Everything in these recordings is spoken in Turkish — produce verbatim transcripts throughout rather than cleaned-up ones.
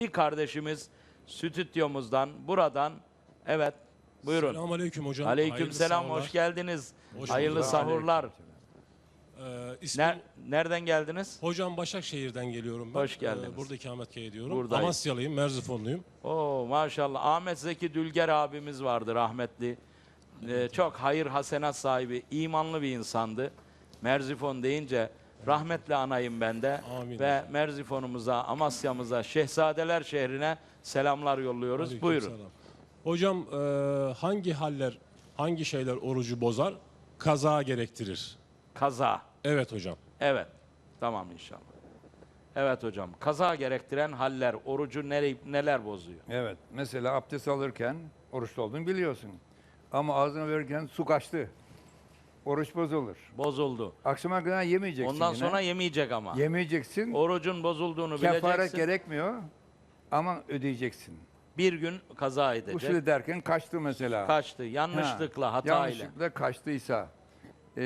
Bir kardeşimiz stüdyomuzdan, buradan, evet, buyurun. Selamünaleyküm hocam. Aleykümselam, hoş geldiniz. Hoş Hayırlı bulduk. sahurlar. Ee, ismim, Ner nereden geldiniz? hocam Başakşehir'den geliyorum ben. Hoş geldiniz. Ee, burada ikametgah ediyorum. Buradayız. Amasyalıyım, Merzifonluyum. Oo maşallah. Ahmet Zeki Dülger abimiz vardı rahmetli. Ee, çok hayır hasenat sahibi, imanlı bir insandı. Merzifon deyince rahmetli anayım ben de. Amin. Ve Merzifon'umuza, Amasya'mıza, Şehzadeler şehrine selamlar yolluyoruz. Aleykümselam. Buyurun. Hocam e, hangi haller, hangi şeyler orucu bozar? Kaza gerektirir. Kaza. Evet hocam. Evet. Tamam inşallah. Evet hocam. Kaza gerektiren haller, orucu nere, neler bozuyor? Evet. Mesela abdest alırken oruçlu olduğunu biliyorsun. Ama ağzına verirken su kaçtı. Oruç bozulur. Bozuldu. Akşama kadar yemeyeceksin Ondan yine. sonra yemeyecek ama. Yemeyeceksin. Orucun bozulduğunu Kefaret bileceksin. gerekmiyor. Ama ödeyeceksin. Bir gün kaza edecek. Usul ederken kaçtı mesela. Kaçtı. Yanlışlıkla, Ha, hatayla. Yanlışlıkla kaçtıysa. Ee,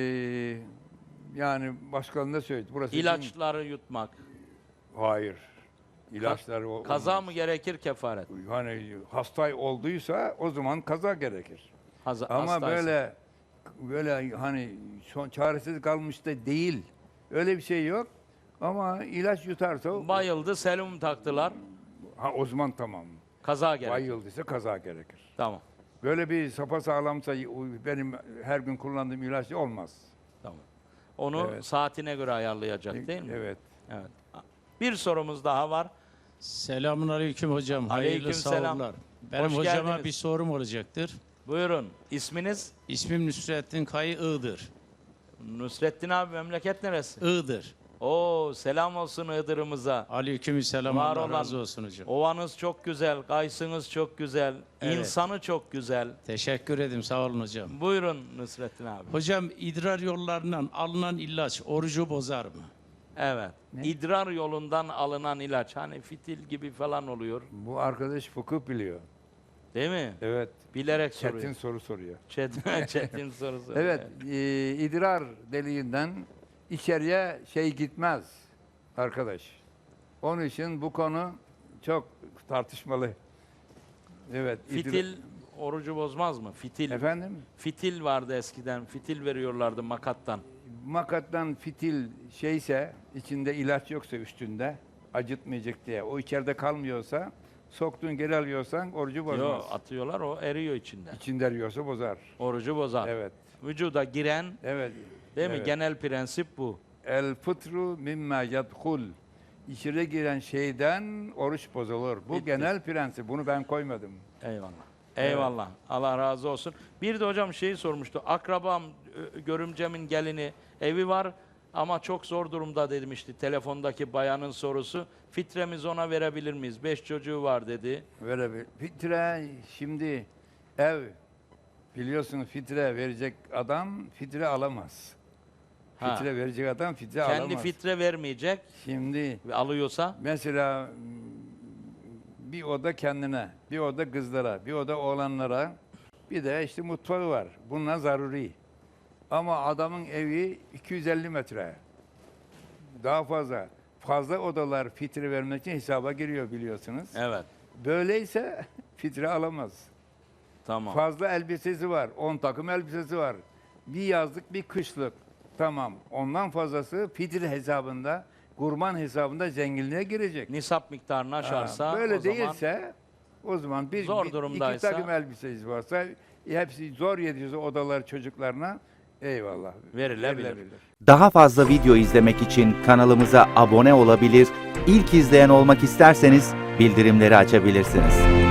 yani başkalarına söyledi. Burası için- İlaçları yutmak. Hayır. İlaçları o- Kaza olmaz. mı gerekir, kefaret? Hani hasta olduysa o zaman kaza gerekir. Haza, Ama hastaysa. böyle böyle hani son çaresiz kalmış da değil. Öyle bir şey yok. Ama ilaç yutarsa o- Bayıldı, serum taktılar. ha, o zaman tamam. Kaza gerekir. Bayıldıysa kaza gerekir. Tamam. Böyle bir sapasağlamsa benim her gün kullandığım ilaç olmaz. Tamam. Onu Evet. saatine göre ayarlayacak değil mi? Evet. Evet. Bir sorumuz daha var. Selamun aleyküm hocam. Hayırlı Aleykümselam. sahurlar. Benim Hoş hocama geldiniz. bir sorum olacaktır. Buyurun. İsminiz? İsmim Nusrettin Kayı Iğdır. Nusrettin abi, memleket neresi? Iğdır. Oo, selam olsun Iğdır'ımıza. Aleykümselam. Var Allah olan- razı olsun hocam. Ovanız çok güzel, kayısınız çok güzel, Evet. insanı çok güzel. Teşekkür ederim. Sağ olun hocam. Buyurun Nusrettin abi. Hocam idrar yollarından alınan ilaç orucu bozar mı? Evet. Ne? İdrar yolundan alınan ilaç, hani fitil gibi falan oluyor. Bu arkadaş fıkıh biliyor. Değil mi? Evet. Bilerek Çetin soruyor. soru soruyor. Çetin, çetin soru soruyor. Evet, e, idrar deliğinden içeriye şey gitmez arkadaş. Onun için bu konu çok tartışmalı. Evet. idra- Fitil orucu bozmaz mı? Fitil. Efendim? Fitil vardı eskiden. Fitil veriyorlardı makattan. Makattan fitil şeyse, içinde ilaç yoksa üstünde, acıtmayacak diye, o içeride kalmıyorsa, soktuğun geri alıyorsan orucu bozmaz. Yok, atıyorlar, o eriyor içinde. İçinde eriyorsa bozar. Orucu bozar. Evet. Vücuda giren, Evet. değil mi? Evet. Genel prensip bu. El fıtru mimma yadhul. İçeri giren şeyden oruç bozulur. Bu Bitti. genel prensip. Bunu ben koymadım. Eyvallah. Eyvallah. Allah razı olsun. Bir de hocam şeyi sormuştu. Akrabam, ö- görümcemin gelini, evi var ama çok zor durumda demişti telefondaki bayanın sorusu. Fitremizi ona verebilir miyiz? Beş çocuğu var dedi. Böyle bir fitre şimdi ev biliyorsunuz fitre verecek adam fitre alamaz. Ha. Fitre verecek adam fitre Kendi alamaz. fitre vermeyecek Şimdi ve alıyorsa mesela m, bir oda kendine, bir oda kızlara, bir oda oğlanlara, bir de işte mutfağı var. Bunlar zaruri. Ama adamın evi iki yüz elli metre. Daha fazla. Fazla odalar fitre vermek için hesaba giriyor biliyorsunuz. evet. Böyleyse fitre alamaz. Tamam. Fazla elbisesi var. on takım elbisesi var. Bir yazlık, bir kışlık. Tamam. Ondan fazlası fitre hesabında, kurban hesabında zenginliğe girecek. Nisap miktarını aşarsa Ha, böyle o zaman değilse o zaman bir, Zor bir- durumdaysa- iki takım elbisesi varsa hepsi zor yediyorsa odalar çocuklarına eyvallah. Verilebilir. Daha fazla video izlemek için kanalımıza abone olabilir, ilk izleyen olmak isterseniz bildirimleri açabilirsiniz.